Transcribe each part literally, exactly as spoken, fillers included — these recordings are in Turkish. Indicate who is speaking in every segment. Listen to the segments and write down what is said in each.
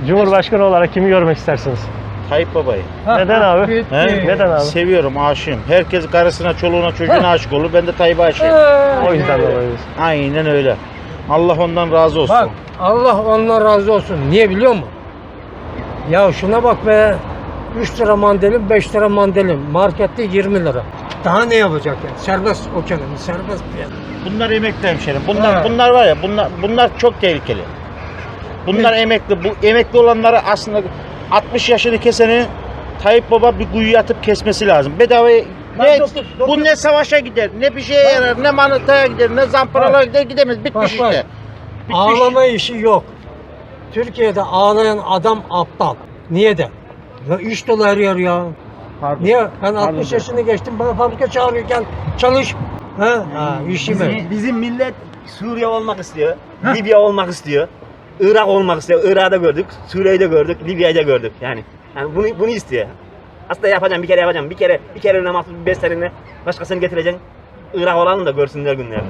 Speaker 1: Cumhurbaşkanı olarak kimi görmek istersiniz?
Speaker 2: Tayyip Baba'yı.
Speaker 1: Neden abi?
Speaker 2: He?
Speaker 1: Neden abi?
Speaker 2: Seviyorum, aşığım. Herkes karısına, çoluğuna, çocuğuna aşık olur. Ben de Tayyip'e aşığım.
Speaker 1: O yüzden dolayı.
Speaker 2: Aynen öyle. Allah ondan razı olsun.
Speaker 3: Bak Allah ondan razı olsun. Niye biliyor musun? Ya şuna bak be. üç lira mandalin, beş lira mandalin. Markette yirmi lira. Daha ne yapacak yani? Serbest o kelime, serbest piyasa.
Speaker 2: Bunlar emekli hemşerim. Bunlar
Speaker 3: Ha.
Speaker 2: bunlar var ya, bunlar bunlar çok tehlikeli. Bunlar emekli. Bu emekli olanları aslında altmış yaşını keseni Tayyip Baba bir kuyuya atıp kesmesi lazım. Bedavaya ne,
Speaker 3: dokuz, dokuz.
Speaker 2: bu ne savaşa gider, ne bir şeye yarar, ne manıtaya gider, ne zamparalara gider, gidemez. Bitmiş
Speaker 3: Bak,
Speaker 2: işte.
Speaker 3: bak.
Speaker 2: Bitmiş.
Speaker 3: Ağlama işi yok. Türkiye'de ağlayan adam aptal. Niye de? Ya iş dolu her yer ya.
Speaker 2: Pardon.
Speaker 3: Niye? Ben altmış
Speaker 2: Pardon.
Speaker 3: yaşını geçtim, bana fabrika çağırıyorken çalış. Ha, ha işimi.
Speaker 4: Bizim, bizim millet Suriye olmak istiyor, Libya olmak istiyor, Irak olmak istiyor. Irak'ı da gördük, Suriye'yi de gördük, Libya'yı da gördük. Yani, yani bunu bunu istiyor. Aslında yapacağım, bir kere yapacağım. Bir kere bir kere mahsus bir beş seninle başkasını getireceksin. Irak olalım da görsünler günlerini.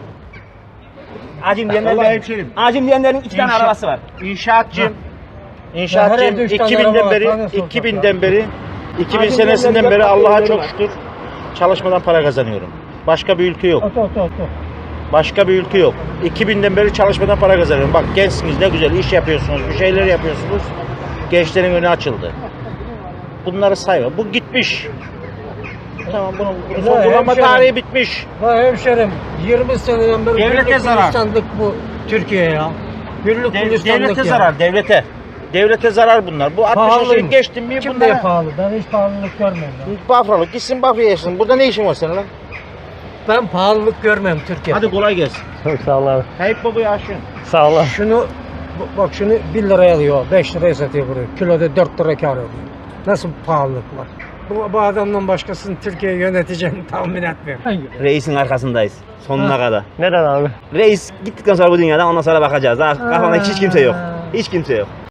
Speaker 4: Acım diyenlerin,
Speaker 2: Vallahi hemşerim.
Speaker 4: acım diyenlerin iki tane
Speaker 2: İnşaat-
Speaker 4: arabası var.
Speaker 2: İnşaatçım.
Speaker 3: Ya
Speaker 2: İnşaatçım
Speaker 3: her evde üç tane
Speaker 2: iki binden
Speaker 3: araba var,
Speaker 2: beri
Speaker 3: tane sokak
Speaker 2: iki binden beri iki bin
Speaker 4: Acil
Speaker 2: senesinden
Speaker 4: yerleri
Speaker 2: beri
Speaker 4: yapmak
Speaker 2: Allah'a
Speaker 4: yerleri
Speaker 2: çok
Speaker 4: var.
Speaker 2: şükür çalışmadan para kazanıyorum. Başka bir ülke yok.
Speaker 3: Oto, oto, oto.
Speaker 2: Başka bir ülke yok. iki binden beri çalışmadan para kazanıyorum. Bak gençsiniz, ne güzel iş yapıyorsunuz, bir şeyler yapıyorsunuz. Gençlerin önü açıldı. Bunları sayma. Bu gitmiş. Tamam, bunun, bunun
Speaker 3: Ya
Speaker 2: son kullanma
Speaker 3: hemşerim.
Speaker 2: tarihi bitmiş.
Speaker 3: Ya hemşerim yirmi seneden beri
Speaker 2: Devlete
Speaker 3: güllük
Speaker 2: zarar.
Speaker 3: gülistanlık bu Türkiye ya. Güllük
Speaker 2: Dev-
Speaker 3: gülistanlık
Speaker 2: devlete
Speaker 3: ya.
Speaker 2: zarar, devlete. Devlete zarar bunlar. Bu altmış yaşını
Speaker 3: Pahalıymış.
Speaker 2: geçtin mi
Speaker 3: Kim
Speaker 2: bunlara?
Speaker 3: diye pahalı? Ben hiç pahalılık görmüyorum. ya.
Speaker 2: Bafralık gitsin Bafra'ya yaşasın. Burada ne işin var senin lan?
Speaker 3: Ben pahalılık görmem Türkiye'de.
Speaker 2: Hadi kolay gelsin.
Speaker 1: Çok sağ olun abi.
Speaker 2: Tayyip Baba'ya aşığım.
Speaker 1: Sağ olun.
Speaker 3: Şunu bu- bak şunu bir liraya alıyor, beş liraya satıyor buraya. Kiloda dört lira kar ediyor. Nasıl bir pahalılık var? Bu, bu adamdan başkasını Türkiye'yi yöneteceğini tahmin etmiyorum.
Speaker 4: Reisin arkasındayız sonuna
Speaker 3: Ha.
Speaker 4: kadar.
Speaker 1: Neden abi?
Speaker 4: Reis gittikten sonra bu dünyadan ondan sonra bakacağız. Daha kafamda hiç kimse yok. Hiç kimse yok.